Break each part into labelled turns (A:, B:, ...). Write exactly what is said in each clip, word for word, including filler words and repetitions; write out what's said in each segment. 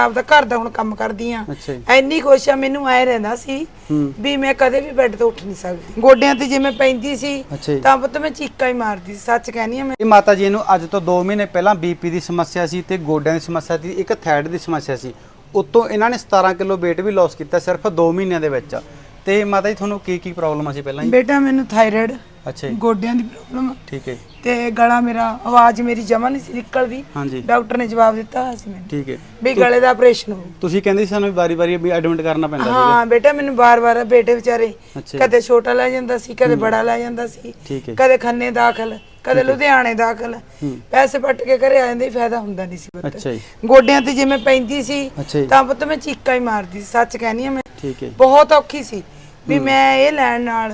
A: ਆਪਦਾ ਘਰ ਦਾ ਹੁਣ ਕੰਮ ਕਰਦੀ ਆ ਇੰਨੀ ਖੁਸ਼ ਆ ਮੈਨੂੰ ਐ ਰਹਿੰਦਾ ਸੀ ਵੀ ਮੈਂ ਕਦੇ ਵੀ ਬੈੱਡ ਤੋਂ ਉੱਠ ਨਹੀਂ ਸਕਦੀ ਗੋਡਿਆਂ ਤੇ ਜਿਵੇਂ ਪੈਂਦੀ ਸੀ ਤਾਂ ਪੁੱਤ ਮੈਂ ਚੀਕਾਂ ਹੀ ਮਾਰਦੀ ਸੀ ਸੱਚ ਕਹਿੰਦੀ ਆ ਮੈਂ।
B: ਇਹ ਮਾਤਾ ਜੀ ਨੂੰ ਅੱਜ ਤੋਂ ਦੋ ਮਹੀਨੇ ਪਹਿਲਾਂ ਬੀਪੀ ਦੀ ਸਮੱਸਿਆ ਸੀ ਤੇ ਗੋਡਿਆਂ ਦੀ ਸਮੱਸਿਆ ਸੀ, ਇੱਕ ਥਾਇਰਾਇਡ ਦੀ ਸਮੱਸਿਆ ਸੀ। ਉਤੋਂ ਇਹਨਾਂ ਨੇ ਸਤਾਰਾਂ ਕਿਲੋ weight ਵੀ ਲਾਸ ਕੀਤਾ ਸਿਰਫ ਦੋ ਮਹੀਨਿਆਂ ਦੇ ਵਿੱਚ। ਤੇ ਮਾਤਾ ਜੀ ਤੁਹਾਨੂੰ ਕੀ ਕੀ ਪ੍ਰੋਬਲਮ ਸੀ ਪਹਿਲਾਂ?
A: ਬੇਟਾ ਮੈਨੂੰ ਥਾਇਰਾਇਡ,
B: ਅੱਛਾ ਜੀ,
A: ਗੋਡਿਆਂ ਦੀ ਪ੍ਰੋਬਲਮ,
B: ਠੀਕ ਹੈ,
A: ਤੇ ਗਲਾ ਮੇਰਾ ਆਵਾਜ਼ ਮੇਰੀ ਜਮਾ ਨਹੀਂ ਸੀ ਨਿਕਲਦੀ।
B: ਹਾਂਜੀ, ਡਾਕਟਰ
A: ਨੇ ਜਵਾਬ ਦਿੱਤਾ ਹੋਇਆ ਸੀ ਮੈਨੂੰ,
B: ਠੀਕ ਹੈ,
A: ਵੀ ਗਲੇ ਦਾ ਆਪਰੇਸ਼ਨ ਹੋ।
B: ਤੁਸੀਂ ਕਹਿੰਦੇ ਸੀ ਸਾਨੂੰ ਵਾਰੀ-ਵਾਰੀ ਵੀ ਐਡਮਿਟ ਕਰਨਾ ਪੈਂਦਾ ਸੀਗਾ?
A: ਹਾਂ ਬੇਟਾ ਮੈਨੂੰ ਬਾਰ-ਬਾਰ ਬੇਟੇ ਵਿਚਾਰੇ ਕਦੇ ਛੋਟਾ ਲੈ ਜਾਂਦਾ ਸੀ, ਕਦੇ ਬੜਾ ਲੈ ਜਾਂਦਾ ਸੀ, ਕਦੇ ਖੰਨੇ ਦਾਖਲ, ਕਦੇ ਲੁਧਿਆਣੇ ਦਾਖਲ, ਪੈਸੇ ਪੱਟ ਕੇ ਘਰੇ ਆ ਜਾਂਦੇ, ਫਾਇਦਾ ਹੁੰਦਾ ਨਹੀਂ ਸੀ।
B: ਅੱਛਾ ਜੀ,
A: ਗੋਡਿਆਂ ਤੇ ਜਿਵੇਂ ਪੈਂਦੀ ਸੀ ਤਾਂ ਪੁੱਤ ਮੈਂ ਚੀਕਾਂ ਹੀ ਮਾਰਦੀ ਸੀ, ਸੱਚ ਕਹਿੰਦੀ ਆ ਮੈਂ।
B: ਠੀਕ ਹੈ, ਬਹੁਤ
A: ਔਖੀ ਸੀ ਵੀ ਮੈਂ ਇਹ ਲੈਣ ਨਾਲ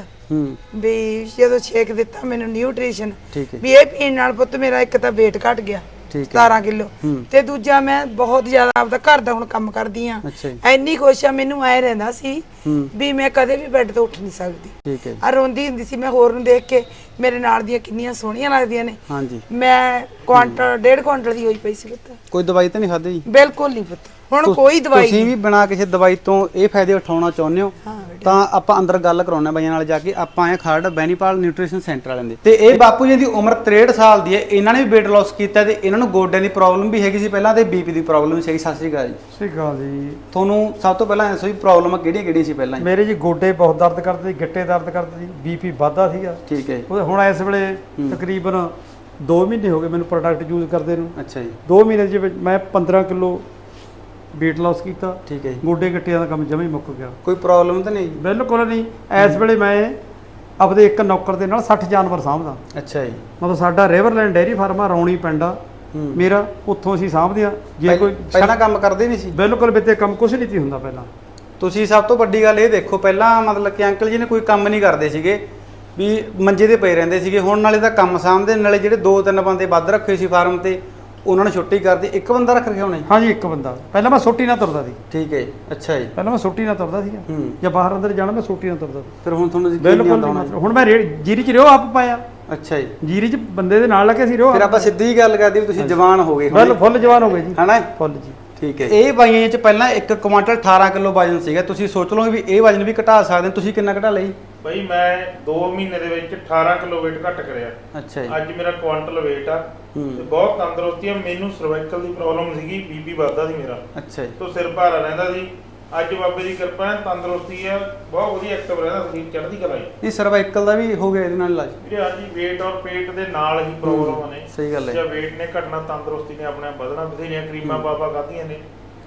A: ਵੀ ਜਦੋਂ ਛੇਕ ਦਿੱਤਾ ਮੈਨੂੰ ਨਿਊਟ੍ਰੀਸ਼ਨ ਵੀ ਇਹ ਪੀਣ ਨਾਲ ਪੁੱਤ ਮੇਰਾ ਇੱਕ ਤਾਂ weight ਘਟ ਗਿਆ ਸਤਾਰਾਂ ਕਿਲੋ, ਤੇ ਦੂਜਾ ਮੈਂ ਬਹੁਤ ਜ਼ਿਆਦਾ ਆਪਦਾ ਘਰ ਦਾ ਹੁਣ ਕੰਮ ਕਰਦੀ ਆ ਇੰਨੀ ਖੁਸ਼ ਆ ਮੈਨੂੰ ਐ ਰਹਿੰਦਾ ਸੀ ਵੀ ਮੈਂ ਕਦੇ ਵੀ ਬੈੱਡ ਤੋਂ ਉੱਠ ਨਹੀਂ ਸਕਦੀ। ਆ ਰੋਂਦੀ ਹੁੰਦੀ ਸੀ ਮੈਂ ਹੋਰ ਨੂੰ ਦੇਖ ਕੇ, ਮੇਰੇ ਨਾਲ ਦੀਆਂ ਕਿੰਨੀਆਂ ਸੋਹਣੀਆਂ ਲੱਗਦੀਆਂ ਨੇ। ਮੈਂ ਕੁਆਂਟਲ ਡੇਢ ਕੁਆਂਟਲ ਦੀ ਹੋਈ ਪਈ ਸੀ ਪੁੱਤ।
B: ਕੋਈ ਦਵਾਈ ਤਾਂ ਨਹੀਂ ਖਾਧੀ ਜੀ?
A: ਬਿਲਕੁਲ ਨਹੀਂ ਪੁੱਤ, ਹੁਣ ਕੋਈ ਦਵਾਈ
B: ਤੁਸੀਂ ਵੀ ਬਿਨਾ ਕਿਸੇ ਦਵਾਈ ਤੋਂ ਇਹ ਫਾਇਦੇ ਉਠਾਉਣਾ ਚਾਹੁੰਦੇ ਹੋ ਤਾਂ ਆਪਾਂ ਅੰਦਰ ਗੱਲ ਕਰਾਉਣਾ ਬਾਈਆਂ ਨਾਲ ਜਾ ਕੇ। ਆਪਾਂ ਆਏ ਖਰੜ ਬੈਨੀਪਾਲ ਨਿਊਟ੍ਰੀਸ਼ਨ ਸੈਂਟਰ ਵਾਲਿਆਂ ਦੇ, ਤੇ ਇਹ ਬਾਪੂ ਜੀ ਦੀ ਉਮਰ ਤਰੇਹਠ ਸਾਲ ਦੀ ਹੈ। ਇਹਨਾਂ ਨੇ ਵੀ weight loss ਕੀਤਾ ਤੇ ਇਹਨਾਂ ਨੂੰ ਗੋਡਿਆਂ ਦੀ ਪ੍ਰੋਬਲਮ ਵੀ ਹੈਗੀ ਸੀ ਪਹਿਲਾਂ ਤੇ ਬੀਪੀ ਦੀ ਪ੍ਰੋਬਲਮ ਸੀ। ਸਤਿ ਸ਼੍ਰੀ ਅਕਾਲ ਜੀ।
C: ਸਤਿ ਸ਼੍ਰੀ ਅਕਾਲ ਜੀ।
B: ਤੁਹਾਨੂੰ ਸਭ ਤੋਂ ਪਹਿਲਾਂ ਦੱਸੋ ਵੀ ਪ੍ਰੋਬਲਮ ਕਿਹੜੀਆਂ ਕਿਹੜੀਆਂ ਸੀ ਪਹਿਲਾਂ?
C: ਮੇਰੇ ਜੀ ਗੋਡੇ ਬਹੁਤ ਦਰਦ ਕਰਦੇ ਸੀ, ਗਿੱਟੇ ਦਰਦ ਕਰਦੇ ਸੀ, ਬੀਪੀ ਵੱਧਦਾ ਸੀਗਾ।
B: ਠੀਕ ਹੈ।
C: ਹੁਣ ਇਸ ਵੇਲੇ ਤਕਰੀਬਨ ਦੋ ਮਹੀਨੇ ਹੋ ਗਏ ਮੈਨੂੰ ਪ੍ਰੋਡਕਟ ਯੂਜ਼ ਕਰਦੇ ਨੂੰ।
B: ਅੱਛਾ ਜੀ।
C: ਦੋ ਮਹੀਨੇ ਦੇ ਵਿੱਚ ਮੈਂ ਪੰਦਰਾਂ ਕਿਲੋ weight loss ਕੀਤਾ।
B: ਠੀਕ ਹੈ।
C: ਗੋਡੇ ਗਿੱਟਿਆਂ ਦਾ ਕੰਮ ਜਮਾਂ ਹੀ ਮੁੱਕ ਗਿਆ।
B: ਕੋਈ ਪ੍ਰੋਬਲਮ ਤਾਂ ਨਹੀਂ?
C: ਬਿਲਕੁਲ ਨਹੀਂ। ਇਸ ਵੇਲੇ ਮੈਂ ਆਪਦੇ ਇੱਕ ਨੌਕਰ ਦੇ ਨਾਲ ਸੱਠ ਜਾਨਵਰ ਸਾਂਭਦਾ।
B: ਅੱਛਾ ਜੀ।
C: ਮਤਲਬ ਸਾਡਾ ਰਿਵਰਲੈਂਡ ਡੇਅਰੀ ਫਾਰਮ ਆ, ਰੌਣੀ ਪਿੰਡ ਆ ਮੇਰਾ, ਉੱਥੋਂ ਅਸੀਂ ਸਾਂਭਦੇ ਆ। ਜੇ ਕੋਈ
B: ਪਹਿਲਾਂ ਕੰਮ ਕਰਦੇ ਨਹੀਂ ਸੀ?
C: ਬਿਲਕੁਲ ਬਿੱਤੇ ਕੰਮ ਕੁਛ ਨਹੀਂ ਸੀ ਹੁੰਦਾ ਪਹਿਲਾਂ।
B: ਤੁਸੀਂ ਸਭ ਤੋਂ ਵੱਡੀ ਗੱਲ ਇਹ ਦੇਖੋ, ਪਹਿਲਾਂ ਮਤਲਬ ਕਿ ਅੰਕਲ ਜੀ ਨੇ ਕੋਈ ਕੰਮ ਨਹੀਂ ਕਰਦੇ ਸੀਗੇ, ਵੀ ਮੰਜੇ ਤੇ ਪਏ ਰਹਿੰਦੇ ਸੀਗੇ। ਹੁਣ ਨਾਲੇ ਤਾਂ ਕੰਮ ਸਾਂਭਦੇ, ਨਾਲੇ ਜਿਹੜੇ ਦੋ ਤਿੰਨ ਬੰਦੇ ਵੱਧ ਰੱਖੇ ਸੀ ਫਾਰਮ ਤੇ ਉਹਨਾਂ ਨੇ ਛੁੱਟੀ ਕਰਦੀ, ਇੱਕ ਬੰਦਾ ਰੱਖ ਰਿਹਾ ਹੋਣਾ?
C: ਹਾਂਜੀ, ਇੱਕ ਬੰਦਾ। ਪਹਿਲਾਂ ਮੈਂ ਸੋਟੀ ਨਾਲ ਤੁਰਦਾ ਸੀ।
B: ਠੀਕ ਹੈ। ਅੱਛਾ ਜੀ।
C: ਪਹਿਲਾਂ ਮੈਂ ਸੋਟੀ ਨਾਲ ਤੁਰਦਾ ਸੀਗਾ, ਜਾਂ ਬਾਹਰ ਅੰਦਰ ਜਾਣਾ ਮੈਂ ਸੋਟੀ ਨਾਲ ਤੁਰਦਾ।
B: ਫਿਰ ਹੁਣ ਤੁਹਾਨੂੰ
C: ਬਿਲਕੁਲ ਹੁਣ ਮੈਂ ਜੀਰੀ ਚ ਰਿਓ ਆਪ ਪਾਇਆ।
B: ਅੱਛਾ ਜੀ।
C: ਜੀਰੀ ਚ ਬੰਦੇ ਦੇ ਨਾਲ ਲੱਗੇ ਸੀ ਰਿਓ।
B: ਫਿਰ ਆਪਾਂ ਸਿੱਧੀ ਗੱਲ ਕਰਦੇ ਵੀ ਤੁਸੀਂ ਜਵਾਨ ਹੋ ਗਏ?
C: ਫੁੱਲ ਜਵਾਨ ਹੋ ਗਏ ਜੀ।
B: ਹਨਾ?
C: ਫੁੱਲ ਜੀ।
B: ਠੀਕ ਹੈ। ਇਹ ਬਾਈਆਂ ਚ ਪਹਿਲਾਂ ਇੱਕ ਕੁਆਂਟਲ ਅਠਾਰਾਂ ਕਿਲੋ ਵਜਨ ਸੀਗਾ। ਤੁਸੀਂ ਸੋਚ ਲਓ ਵੀ ਇਹ ਵਜਨ ਵੀ ਘਟਾ ਸਕਦੇ ਹੋ। ਤੁਸੀਂ ਕਿੰਨਾ ਘਟਾ ਲਈ?
D: ਬਈ ਮੈਂ ਦੋ ਮਹੀਨੇ ਦੇ ਵਿੱਚ ਅਠਾਰਾਂ ਕਿਲੋ weight ਘੱਟ ਕਰਿਆ।
B: ਅੱਛਾ ਜੀ।
D: ਅੱਜ ਮੇਰਾ ਕੁਆਂਟਲ weight ਆ ਤੇ ਬਹੁਤ ਤੰਦਰੁਸਤੀ ਆ। ਮੈਨੂੰ ਸਰਵਾਈਕਲ ਦੀ ਪ੍ਰੋਬਲਮ ਸੀਗੀ, ਬੀਪੀ ਵੱਧਦਾ ਸੀ ਮੇਰਾ। ਅੱਛਾ ਜੀ। ਤੋਂ ਸਿਰ ਭਾਰਾ ਰਹਿੰਦਾ ਸੀ। ਅੱਜ ਬਾਬੇ ਦੀ ਕਿਰਪਾ ਹੈ, ਤੰਦਰੁਸਤੀ ਆ, ਬਹੁਤ ਵਧੀਆ ਐਕਟਿਵ ਰਹਿੰਦਾ ਸੀ, ਚੜ੍ਹਦੀ ਕਲਾ।
B: ਇਹ ਸਰਵਾਈਕਲ ਦਾ ਵੀ ਹੋ ਗਿਆ ਇਹਦੇ ਨਾਲ ਇਲਾਜ?
D: ਵੀਰੇ ਹਾਂਜੀ, weight ਔਰ ਪੇਟ ਦੇ ਨਾਲ ਹੀ ਪ੍ਰੋਬਲਮਾਂ ਨੇ।
B: ਸਹੀ ਗੱਲ ਹੈ।
D: ਜੇ weight ਨੇ ਘਟਣਾ, ਤੰਦਰੁਸਤੀ ਨੇ ਆਪਣੇ ਆਪ ਵਧਣਾ। ਬਥੇਰੀਆਂ ਕਰੀਮਾਂ ਬਾਬਾ ਖਾਧੀਆਂ ਨੇ।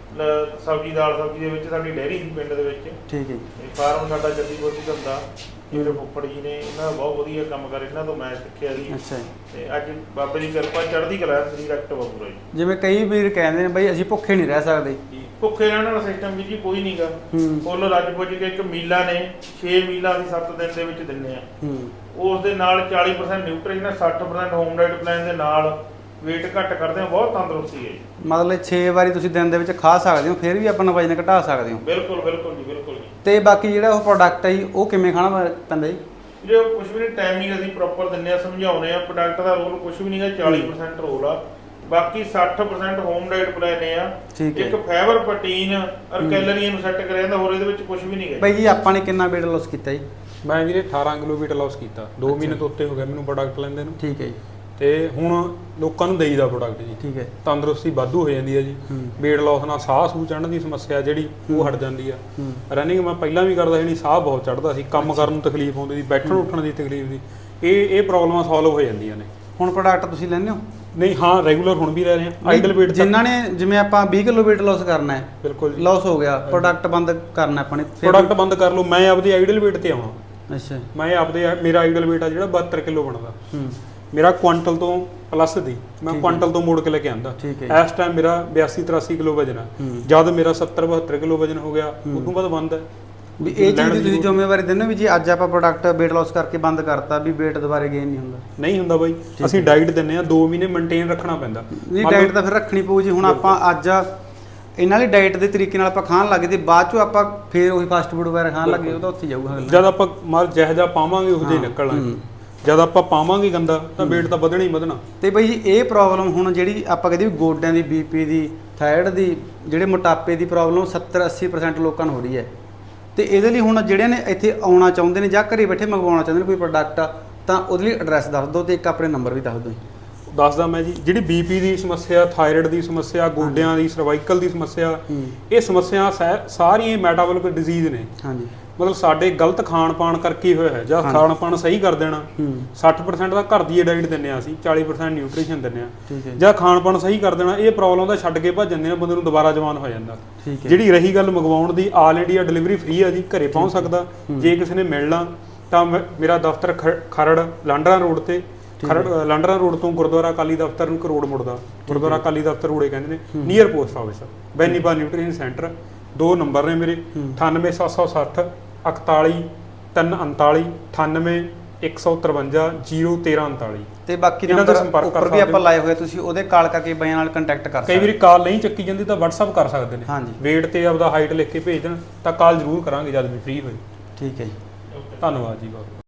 D: ਸਬਜ਼ੀ ਦਾਲ ਸਬਜ਼ੀ ਦੇ ਵਿੱਚ ਸਾਡੀ ਡੈਰੀ ਸੀ ਪਿੰਡ ਦੇ ਵਿੱਚ। ਠੀਕ ਹੈ। ਫਾਰਮ ਸਾਡਾ ਜੱਦੀ ਬੋਤੀ ਧੰਦਾ, ਜਿਹੜੇ ਫੁੱਫੜ ਜੀ ਨੇ, ਇਹਨਾਂ ਦਾ ਬਹੁਤ ਵਧੀਆ ਕੰਮ ਕਰ, ਇਹਨਾਂ ਤੋਂ ਮੈਂ ਸਿੱਖਿਆ ਸੀ। ਅੱਛਾ। ਤੇ ਅੱਜ ਬਾਬੇ ਦੀ ਕਿਰਪਾ, ਚੜ੍ਹਦੀ ਕਲਾ, ਸਰੀਰ ਐਕਟਿਵ ਆ ਪੂਰਾ ਜੀ।
B: ਜਿਵੇਂ ਕਈ ਵੀਰ ਕਹਿੰਦੇ ਨੇ ਬਈ ਅਸੀਂ ਭੁੱਖੇ ਨਹੀਂ ਰਹਿ ਸਕਦੇ,
D: ਭੁੱਖੇ ਰਹਿਣ ਵਾਲਾ ਸਿਸਟਮ ਵੀ ਜੀ ਕੋਈ ਨਹੀਂਗਾ। ਫੁੱਲ ਰੱਜ ਪੁੱਜ ਕੇ ਇੱਕ ਮੀਲਾ ਨੇ ਛੇ ਮੀਲਾ ਅਸੀਂ ਸੱਤ ਦਿਨ ਦੇ ਵਿੱਚ ਦਿੰਨੇ ਆ। ਉਸ ਦੇ ਨਾਲ ਚਾਲੀ ਪਰਸੈਂਟ ਨਿਊਟ੍ਰੀਸ਼ਨ, ਸੱਠ ਪਰਸੈਂਟ ਹੋਮ ਡਾਈਟ ਪਲਾਨ ਦੇ ਨਾਲ weight ਘੱਟ ਕਰਦੇ ਆ। ਬਹੁਤ ਤੰਦਰੁਸਤੀ ਹੈ ਜੀ। ਮਤਲਬ
B: ਛੇ ਵਾਰੀ ਤੁਸੀਂ ਦਿਨ ਦੇ ਵਿੱਚ ਖਾ ਸਕਦੇ ਹੋ, ਫਿਰ ਵੀ ਆਪਣਾ ਵਜਨ ਘਟਾ ਸਕਦੇ ਹੋ?
D: ਬਿਲਕੁਲ ਬਿਲਕੁਲ ਜੀ, ਬਿਲਕੁਲ ਜੀ।
B: ਤੇ ਬਾਕੀ ਜਿਹੜਾ ਉਹ ਪ੍ਰੋਡਕਟ ਹੈ ਜੀ, ਉਹ ਕਿਵੇਂ ਖਾਣਾ ਪੈਂਦਾ ਜੀ?
D: ਜੇ ਕੁਝ ਵੀ ਨਹੀਂ, ਟਾਈਮਿੰਗ ਅਸੀਂ ਪ੍ਰੋਪਰ ਦਿੰਨੇ ਆ, ਸਮਝਾਉਨੇ ਆ। ਪ੍ਰੋਡਕਟ ਦਾ ਰੋਲ ਕੁਝ ਵੀ ਨਹੀਂਗਾ, ਚਾਲੀ ਪਰਸੈਂਟ ਰੋਲ ਆ, ਬਾਕੀ ਸੱਠ ਪਰਸੈਂਟ ਹੋਮ ਡਾਈਟ ਪਲਾਨ ਆ। ਇੱਕ ਫਾਈਬਰ, ਪ੍ਰੋਟੀਨ ਔਰ ਕੈਲਰੀਆਂ ਨੂੰ ਸੈੱਟ ਕਰਿਆ ਜਾਂਦਾ, ਹੋਰ ਇਹਦੇ ਵਿੱਚ ਕੁਝ ਵੀ ਨਹੀਂ ਹੈ।
B: ਬਾਈ ਜੀ ਆਪਾਂ ਨੇ ਕਿੰਨਾ weight loss ਕੀਤਾ ਜੀ?
E: ਮੈਂ ਵੀਰੇ ਅਠਾਰਾਂ ਕਿਲੋ weight loss ਕੀਤਾ। ਦੋ ਮਹੀਨੇ ਤੋਂ ਉੱਤੇ ਹੋ ਗਿਆ ਮੈਨੂੰ ਪ੍ਰੋਡਕਟ ਲੈਂਦੇ ਨੂੰ।
B: ਠੀਕ ਹੈ ਜੀ।
E: ਤੇ ਹੁਣ ਲੋਕਾਂ ਨੂੰ ਦੇਈਦਾ ਪ੍ਰੋਡਕਟ ਜੀ। ਠੀਕ ਹੈ। ਤੰਦਰੁਸਤੀ ਵਾਧੂ ਹੋ ਜਾਂਦੀ ਹੈ ਜੀ। weight loss ਨਾਲ ਸਾਹ ਸੂਹ ਚੜ੍ਹਨ ਦੀ ਸਮੱਸਿਆ ਜਿਹੜੀ ਉਹ ਹਟ ਜਾਂਦੀ ਆ। ਰਨਿੰਗ ਮੈਂ ਪਹਿਲਾਂ ਵੀ ਕਰਦਾ ਸੀ, ਸਾਹ ਬਹੁਤ ਚੜ੍ਹਦਾ ਸੀ, ਕੰਮ ਕਰਨ ਨੂੰ ਤਕਲੀਫ ਹੁੰਦੀ ਸੀ, ਬੈਠਣ ਉੱਠਣ ਦੀ ਤਕਲੀਫ ਸੀ। ਇਹ ਇਹ ਪ੍ਰੋਬਲਮਾਂ ਸੋਲਵ ਹੋ ਜਾਂਦੀਆਂ ਨੇ।
B: ਹੁਣ ਪ੍ਰੋਡਕਟ ਤੁਸੀਂ ਲੈਂਦੇ ਹੋ?
E: ਨਹੀਂ, ਹਾਂ, ਰੈਗੂਲਰ ਹੁਣ ਵੀ ਲੈ ਰਹੇ ਹਾਂ। ਆਈਡਲ weight
B: ਜਿਨ੍ਹਾਂ ਨੇ, ਜਿਵੇਂ ਆਪਾਂ ਵੀਹ ਕਿਲੋ weight loss ਕਰਨਾ ਹੈ,
E: ਬਿਲਕੁਲ
B: ਲਾਸ ਹੋ ਗਿਆ, ਪ੍ਰੋਡਕਟ ਬੰਦ ਕਰਨਾ ਆਪਾਂ ਨੇ,
E: ਪ੍ਰੋਡਕਟ ਬੰਦ ਕਰ ਲਓ। ਮੈਂ ਆਪਦੀ ਆਈਡਲ weight ਤੇ ਆਉਣਾ।
B: ਅੱਛਾ। ਮੈਂ
E: ਆਪਦੇ ਮੇਰਾ ਆਈਡਲ weight ਆ ਜਿਹੜਾ ਬਹੱਤਰ ਕਿਲੋ ਬਣਦਾ। ਮੇਰਾ ਕੁਆਂਟਲ ਤੋਂ ਪਲੱਸ ਦੀ, ਮੈਂ ਕੁਆਂਟਲ ਤੋਂ ਮੋੜ ਕੇ ਲੈ ਕੇ ਆਂਦਾ। ਇਸ ਟਾਈਮ ਮੇਰਾ ਬਿਆਸੀ ਤਰਾਸੀ ਕਿਲੋ ਵਜਨ ਆ। ਜਦ ਮੇਰਾ ਸੱਤਰ ਬਹੱਤਰ ਕਿਲੋ ਵਜਨ ਹੋ ਗਿਆ, ਉਦੋਂ ਬਾਅਦ ਬੰਦ ਹੈ।
B: ਵੀ ਇਹ ਚੀਜ਼ ਦੀ ਤੁਸੀਂ ਜ਼ਿੰਮੇਵਾਰੀ ਦਿੰਦੇ ਹੋ ਵੀ ਜੀ ਅੱਜ ਆਪਾਂ ਪ੍ਰੋਡਕਟ weight loss ਕਰਕੇ ਬੰਦ ਕਰਤਾ ਵੀ weight ਦੁਬਾਰੇ ਗੇਨ ਨਹੀਂ ਹੁੰਦਾ?
E: ਨਹੀਂ ਹੁੰਦਾ ਬਾਈ, ਅਸੀਂ ਡਾਈਟ ਦਿੰਨੇ ਆ, ਦੋ ਮਹੀਨੇ ਮੇਨਟੇਨ ਰੱਖਣਾ ਪੈਂਦਾ।
B: ਨਹੀਂ, ਡਾਈਟ ਤਾਂ ਫਿਰ ਰੱਖਣੀ ਪਊ ਜੀ। ਹੁਣ ਆਪਾਂ ਅੱਜ ਇਹਨਾਂ ਦੀ ਡਾਈਟ ਦੇ ਤਰੀਕੇ ਨਾਲ ਆਪਾਂ ਖਾਣ ਲੱਗੇ ਤੇ ਬਾਅਦ ਚੋਂ ਆਪਾਂ ਫੇਰ ਉਹੀ ਫਾਸਟ ਫੂਡ ਵਗੈਰਾ ਖਾਣ ਲੱਗੇ, ਉਹ ਤਾਂ ਉੱਥੇ ਜਾਊਗਾ।
E: ਜਦ ਆਪਾਂ ਮਾਲ ਜਿਹੋ ਜਿਹਾ ਪਾਵਾਂਗੇ ਉਹ ਜਿਹਾ ਨਿਕਲਣਾ। ਜਦ ਆਪਾਂ ਪਾਵਾਂਗੇ ਗੰਦਾ ਤਾਂ weight ਤਾਂ ਵਧਣਾ ਹੀ ਵਧਣਾ।
B: ਤੇ ਬਈ ਜੀ ਇਹ ਪ੍ਰੋਬਲਮ ਹੁਣ ਜਿਹੜੀ ਆਪਾਂ ਕਹਿੰਦੇ ਵੀ ਗੋਡਿਆਂ ਦੀ, ਬੀਪੀ ਦੀ, ਥਾਇਰਾਇਡ ਦੀ ਜਿਹੜੇ ਮੋਟਾਪੇ ਦੀ ਪ੍ਰੋਬਲਮ ਸੱਤਰ ਅੱਸੀ ਪਰਸੈਂਟ ਲੋਕਾਂ ਨੂੰ ਹੋ ਰਹੀ ਹੈ। ਤੇ ਇਹਦੇ ਲਈ ਹੁਣ ਜਿਹੜਿਆਂ ਨੇ ਇੱਥੇ ਆਉਣਾ ਚਾਹੁੰਦੇ ਨੇ ਜਾਂ ਘਰੇ ਬੈਠੇ ਮੰਗਵਾਉਣਾ ਚਾਹੁੰਦੇ ਨੇ ਕੋਈ ਪ੍ਰੋਡਕਟ, ਤਾਂ ਉਹਦੇ ਲਈ ਐਡਰੈਸ ਦੱਸ ਦਿਓ ਤੇ ਇੱਕ ਆਪਣੇ ਨੰਬਰ ਵੀ ਦੱਸ ਦਿਓ।
E: ਦੱਸਦਾ ਮੈਂ ਜੀ, ਜਿਹੜੀ ਬੀਪੀ ਦੀ ਸਮੱਸਿਆ, ਥਾਇਰਾਇਡ ਦੀ ਸਮੱਸਿਆ, ਗੋਡਿਆਂ ਦੀ, ਸਰਵਾਈਕਲ ਦੀ ਸਮੱਸਿਆ, ਇਹ ਸਮੱਸਿਆ ਸਾਰੀਆਂ ਮੈਟਾਬੋਲਿਕ ਡਿਜ਼ੀਜ਼ ਨੇ।
B: ਹਾਂਜੀ,
E: ਮਤਲਬ ਸਾਡੇ ਗਲਤ ਖਾਣ ਪਾਣ ਕਰਕੇ ਹੋਇਆ ਹੈ। ਜਾਂ ਖਾਣ ਪਾਣ ਸਹੀ ਕਰ ਦੇਣਾ, ਸੱਠ ਪਰਸੈਂਟ ਦਾ ਘਰ ਦੀ ਡਾਈਟ ਦਿੰਦੇ ਆ ਅਸੀਂ, ਚਾਲੀ ਪਰਸੈਂਟ ਨਿਊਟ੍ਰੀਸ਼ਨ ਦਿੰਦੇ ਆ। ਜਾਂ ਖਾਣ ਪਾਣ ਸਹੀ ਕਰ ਦੇਣਾ, ਇਹ ਪ੍ਰੋਬਲਮ ਦਾ ਛੱਡ ਕੇ ਭੱਜ ਜਾਂਦੇ ਨੇ, ਬੰਦੇ ਨੂੰ ਦੁਬਾਰਾ ਜਵਾਨ ਹੋ ਜਾਂਦਾ। ਜਿਹੜੀ ਰਹੀ ਗੱਲ ਮੰਗਵਾਉਣ ਦੀ, ਆਲ ਇੰਡੀਆ ਡਿਲੀਵਰੀ ਫ੍ਰੀ ਆ ਜੀ, ਘਰੇ ਪਹੁੰਚ ਸਕਦਾ। ਜੇ ਕਿਸੇ ਨੇ ਮਿਲਣਾ ਤਾਂ ਮੇਰਾ ਦਫ਼ਤਰ ਖਰੜ ਲਾਂਡਰਾ ਰੋਡ ਤੇ, ਖਰੜ ਲਾਂਡਰਾ ਰੋਡ ਤੋਂ ਗੁਰਦੁਆਰਾ ਅਕਾਲੀ ਦਫ਼ਤਰ ਨੂੰ ਕਰੋੜ ਮੁੜਦਾ, ਗੁਰਦੁਆਰਾ ਅਕਾਲੀ ਦਫ਼ਤਰ ਰੋੜੇ ਕਹਿੰਦੇ ਨੇ, near post office, Bainipal nutrition centre. ਦੋ ਨੰਬਰ ਨੇ ਮੇਰੇ, ਅਠਾਨਵੇਂ ਸੱਤ ਸੌ ਸੱਠ ਇਕਤਾਲੀ ਤਿੰਨ ਉਨਤਾਲੀ, ਅਠਾਨਵੇਂ ਇੱਕ ਸੌ ਤਰਵੰਜਾ ਜ਼ੀਰੋ ਤੇਰਾਂ ਉਨਤਾਲੀ।
B: ਤੇ ਬਾਕੀ ਨੰਬਰ ਉੱਪਰ ਵੀ ਆਪਾਂ ਲਾਏ ਹੋਏ, ਤੁਸੀਂ ਉਹਦੇ ਕਾਲ ਕਰਕੇ ਬਾਈਆਂ ਨਾਲ ਕੰਟੈਕਟ ਕਰ ਸਕਦੇ।
E: ਕਈ ਵਾਰੀ ਕਾਲ ਨਹੀਂ ਚੱਕੀ ਜਾਂਦੀ ਤਾਂ WhatsApp ਕਰ ਸਕਦੇ ਨੇ।
B: ਹਾਂਜੀ,
E: ਵੇਟ ਤੇ ਆਪਦਾ ਹਾਈਟ ਲਿਖ ਕੇ ਭੇਜ ਦੇਣ ਤਾਂ ਕਾਲ ਜ਼ਰੂਰ ਕਰਾਂਗੇ ਜਦ ਵੀ ਫ੍ਰੀ ਹੋਏ।
B: ਠੀਕ ਹੈ ਜੀ,
E: ਧੰਨਵਾਦ ਜੀ ਬਹੁਤ।